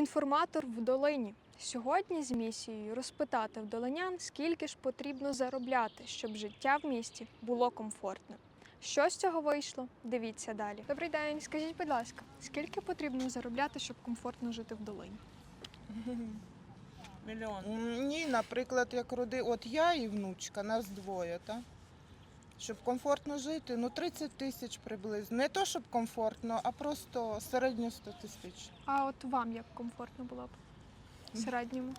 Інформатор в долині. Сьогодні з місією розпитати в долинян, скільки ж потрібно заробляти, щоб життя в місті було комфортним. Що з цього вийшло? Дивіться далі. Добрий день, скажіть, будь ласка, скільки потрібно заробляти, щоб комфортно жити в долині? Мільйон. Ні, наприклад, як от я і внучка, нас двоє, так? Щоб комфортно жити, 30 тисяч приблизно. Не то, щоб комфортно, а просто середньо 100 тисяч. А от вам як комфортно було б? В середньому?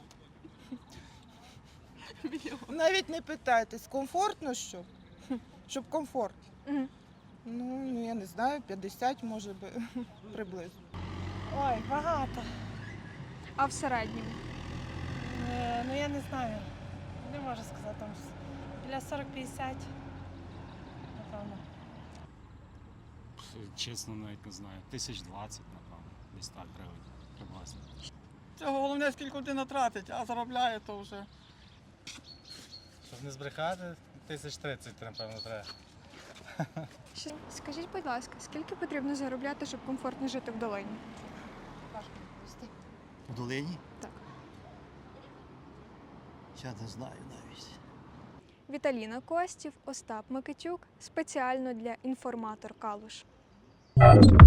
Навіть не питайтесь, комфортно що? Щоб комфортно. Угу. Ну, я не знаю, 50 може би приблизно. Ой, багато. А в середньому? Ну я не знаю. Не можу сказати там. Біля 40-50. Напевно. Чесно, навіть не знаю. 1020, напевно. Десь так гривень приблизно. Це головне, скільки людина тратить, а заробляє то вже. Щоб не збрехати, 1030, напевно, треба. Скажіть, будь ласка, скільки потрібно заробляти, щоб комфортно жити в долині? В долині? Так. Я не знаю навіть. Віталіна Костів, Остап Микитюк. Спеціально для «Інформатор Калуш».